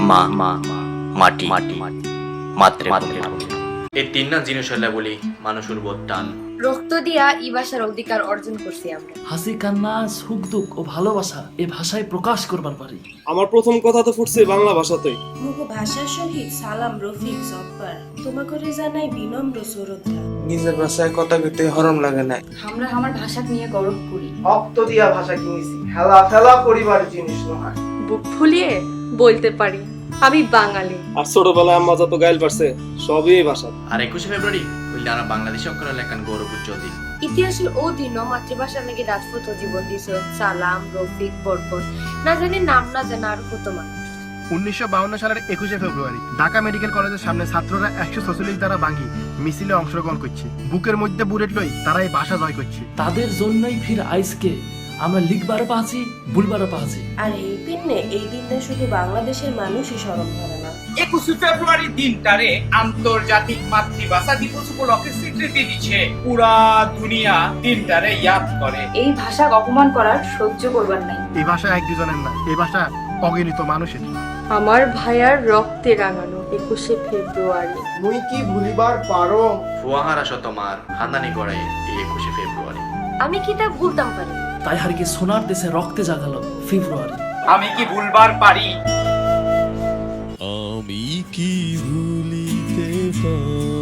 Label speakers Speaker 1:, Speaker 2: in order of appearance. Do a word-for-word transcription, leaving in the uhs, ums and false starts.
Speaker 1: মা মা মাটি মাটি মাতৃভূমি। এই তিন না জিনিস হলে বলি মানুষের বোধ টান।
Speaker 2: রক্ত দিয়া এই ভাষার অধিকার অর্জন করছি আমরা।
Speaker 3: হাসি কান্না সুখ দুঃখ ও ভালোবাসা এই ভাষায় প্রকাশ করবার পারি।
Speaker 4: আমার প্রথম কথা তো ফুটছে বাংলা ভাষাতেই।
Speaker 5: মুখ ভাষার সহিত সালাম রফিক জব্বার তোমাকে জানাই বিনম্র শ্রদ্ধা।
Speaker 6: নিজের ভাষায় কথা কইতে হরম লাগে না।
Speaker 2: আমরা আমার ভাষা নিয়ে গর্ব করি।
Speaker 6: রক্ত দিয়া ভাষা কিনেছি, হেলা ফেলা পরিবার জিনিস নয়।
Speaker 7: বুক ফুলিয়ে বলতে পারি আমি বাঙালি।
Speaker 4: আর ছোটবেলায় আম্মা যত গাইল পারছে সবই এই ভাষা।
Speaker 1: আর একুশে ফেব্রুয়ারি হইলে আমরা বাংলাদেশে অক্ষর লেখান গৌরব উজ্জ্বল দিন।
Speaker 2: ইতিহাসের ও দিন মাতৃভাষার নাকি রাজপুত জীবন দিয়েছে সালাম রফিক বরকত না জানি নাম না জানা আর কত মানুষ।
Speaker 8: উনিশশো বাউন্ন সালের একুশে ফেব্রুয়ারি ঢাকা মেডিকেল কলেজের সামনে ছাত্ররা একশো ছচল্লিশ দ্বারা ভাঙি মিছিলে অংশগ্রহণ করছে। বুকের মধ্যে বুলেট লই তারা এই ভাষা জয় করছে।
Speaker 3: তাদের জন্যই ফির আইসকে আমরা লিখবারও পাচ্ছি ভুলবারও পাচ্ছি।
Speaker 5: আর এই দিনে এই দিনটা শুধু বাংলাদেশের মানুষই স্মরণ করে না।
Speaker 9: একুশে ফেব্রুয়ারি দিনটারে আন্তর্জাতিক মাতৃভাষা দিবস উপলক্ষে স্বীকৃতি দিচ্ছে। পুরা দুনিয়া দিনটারে ইয়াদ করে।
Speaker 2: এই ভাষা অপমান করার সহ্য করবার নাই।
Speaker 8: এই ভাষা এক দুজনের না, এই ভাষা অগণিত মানুষের।
Speaker 7: আমার ভাইয়ার রক্তে রাঙানো একুশে ফেব্রুয়ারি।
Speaker 6: মুই কি ভুলিবার পারো?
Speaker 1: ফুয়াহারা শতমার খানদানি গড়াই এই একুশে ফেব্রুয়ারি।
Speaker 2: আমি কি তা ভুলতাম পারি?
Speaker 3: তাই হার কি সোনার দেশে রক্তে জাগালো ফেব্রুয়ারি।
Speaker 9: আমি কি ভুলবার পারি?
Speaker 10: আমি কি ভুলিতে পারি?